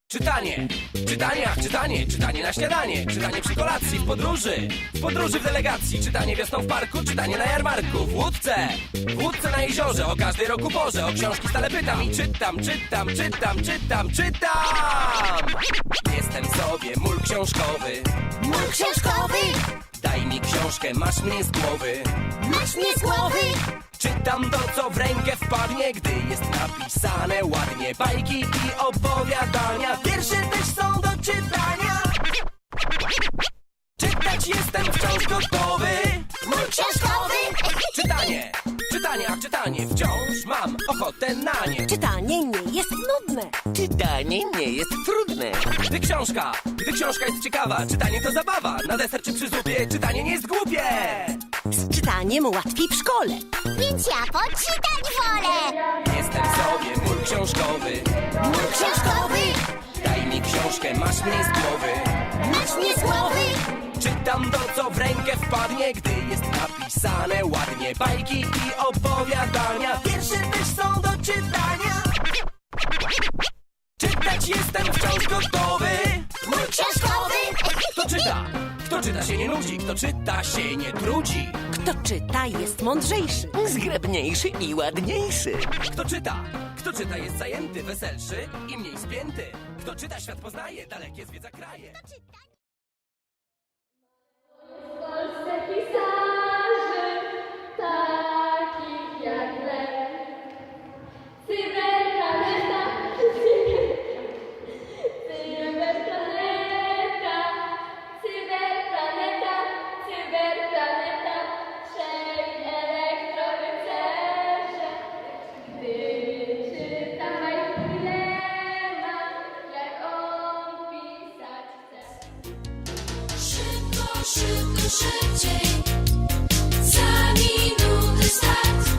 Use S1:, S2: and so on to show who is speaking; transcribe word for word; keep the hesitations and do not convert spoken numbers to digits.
S1: Czytanie, czytanie, ach czytanie, czytanie na śniadanie, czytanie przy kolacji, w podróży, w podróży w delegacji, czytanie wiosną w parku, czytanie na jarmarku, w łódce, w łódce na jeziorze, o każdej roku porze, o książki stale pytam i czytam, czytam, czytam, czytam, czytam! Jestem sobie mól książkowy,
S2: Mól książkowy,
S1: daj mi książkę, masz mnie z głowy.
S2: masz mnie z głowy.
S1: Czytam to, co w rękę wpadnie, gdy jest napisane ładnie. Bajki i opowiadania, wiersze też są do czytania. Czytać jestem wciąż gotowy.
S2: Mól książkowy,
S1: Czytanie, czytanie, a czytanie, wciąż mam ochotę na nie.
S3: Czytanie nie jest nudne.
S4: Czytanie nie jest trudne.
S1: Gdy książka, gdy książka jest ciekawa, czytanie to zabawa. Na deser czy przy zupie, czytanie nie jest głupie.
S3: Z czytaniem łatwiej w szkole.
S2: więc ja poczytać wolę.
S1: Jestem sobie mól książkowy,
S2: Mól książkowy,
S1: daj mi książkę, masz mnie z głowy.
S2: masz mnie z głowy.
S1: Czytam to, co w rękę wpadnie, gdy jest napisane ładnie. Bajki i opowiadania, wiersze też są do czytania. Czytać jestem wciąż gotowy.
S2: Mól książkowy,
S1: Kto czyta? Kto czyta się nie nudzi, kto czyta się nie trudzi.
S3: Kto czyta jest mądrzejszy.
S4: Zgrabniejszy i ładniejszy.
S1: Kto czyta? Kto czyta jest zajęty, weselszy i mniej spięty. Kto czyta świat poznaje, dalekie zwiedza kraje.
S5: W Polsce pisarzy, takich jak Lech. Cyberplaneta, cyberplaneta, cyberplaneta, cyberplaneta, trzej elektrorycerze. Gdyby czytał bajki Lema, jak on pisać chce.
S6: Szybko, szybko, szybciej. Za minutę start.